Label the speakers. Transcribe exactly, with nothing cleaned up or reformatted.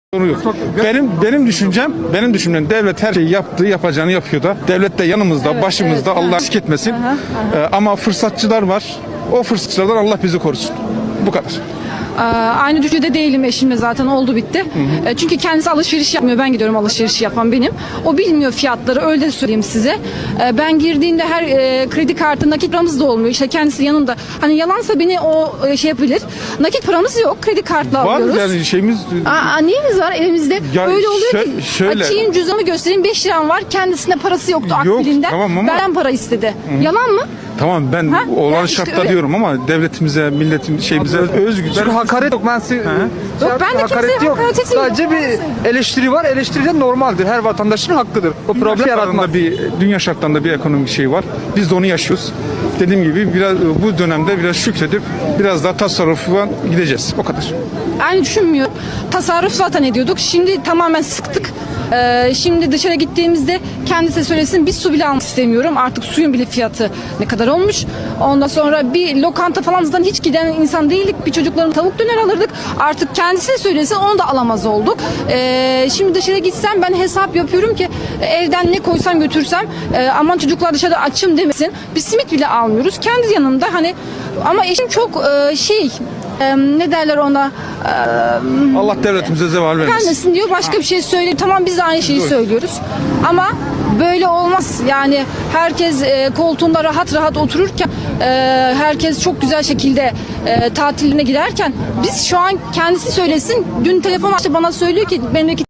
Speaker 1: Yok. Benim benim düşüncem, benim düşüncem devlet her şeyi yaptığı, yapacağını yapıyor da. Devlet de yanımızda,
Speaker 2: Evet,
Speaker 1: başımızda.
Speaker 2: evet.
Speaker 1: Allah eksik etmesin.
Speaker 2: Aha, aha.
Speaker 1: Ee, ama fırsatçılar var. O fırsatçılardan Allah bizi korusun. Bu kadar.
Speaker 2: Ee, Aynı düşüncede değilim eşimle, zaten oldu bitti. Ee, Çünkü kendisi alışveriş yapmıyor. Ben gidiyorum, alışveriş yapan benim. O bilmiyor fiyatları, öyle de söyleyeyim size. Ee, Ben girdiğinde her e, kredi kartı nakit paramız da olmuyor. İşte kendisi yanımda. Hani yalansa beni o e, şey yapabilir. Nakit paramız yok. Kredi kartla
Speaker 1: Var
Speaker 2: alıyoruz.
Speaker 1: yani şeyimiz
Speaker 2: Aa, neyimiz var elimizde?
Speaker 1: Ya
Speaker 2: Öyle oluyor
Speaker 1: şö-
Speaker 2: ki
Speaker 1: şöyle-
Speaker 2: açayım cüzdanımı göstereyim, beş liram var. Kendisine parası yoktu
Speaker 1: Yok,
Speaker 2: akbilinden.
Speaker 1: tamam ama-
Speaker 2: Benden para istedi. Yalan mı?
Speaker 1: tamam ben
Speaker 2: Ha?
Speaker 1: olan
Speaker 2: Yani işte
Speaker 1: şartta
Speaker 2: öyle.
Speaker 1: diyorum ama devletimize, milletim şeyimize özgü.
Speaker 3: Çünkü hakaret yok. Ben size,
Speaker 2: Yok, ben de kimseye hakaret etmiyorum.
Speaker 3: Sadece bir eleştiri var. Eleştiri de normaldir. Her vatandaşın hakkıdır. O
Speaker 1: Dünya
Speaker 3: problem yaratmaz.
Speaker 1: şartlarında bir dünya şartlarında bir ekonomik şey var. Biz de onu yaşıyoruz. Dediğim gibi biraz bu dönemde biraz şükredip biraz daha tasarrufa gideceğiz. O kadar.
Speaker 2: Aynı düşünmüyorum. Tasarruf zaten ediyorduk. Şimdi tamamen sıktık. Ee, şimdi dışarı gittiğimizde kendisi söylesin, bir su bile almak istemiyorum. Artık suyun bile fiyatı ne kadar olmuş. Ondan sonra bir lokanta falan zaten hiç giden insan değildik. Bir çocukların tavuk döner alırdık. Artık kendisi söylesin, onu da alamaz olduk. Ee, şimdi dışarı gitsem ben hesap yapıyorum ki evden ne koysam götürsem e, aman çocuklar dışarıda açım demesin. Bir simit bile almıyoruz. Kendi yanımda hani, ama eşim çok e, şey e, ne derler ona, e,
Speaker 1: Allah devletimize zeval vermesin.
Speaker 2: gelmesin diyor, başka bir şey söylüyor. Tamam, biz de aynı şeyi söylüyoruz. Ama böyle olmaz. Yani herkes e, koltuğunda rahat rahat otururken, e, herkes çok güzel şekilde e, tatiline giderken, biz şu an kendisi söylesin. Dün telefon açtı, bana söylüyor ki memleket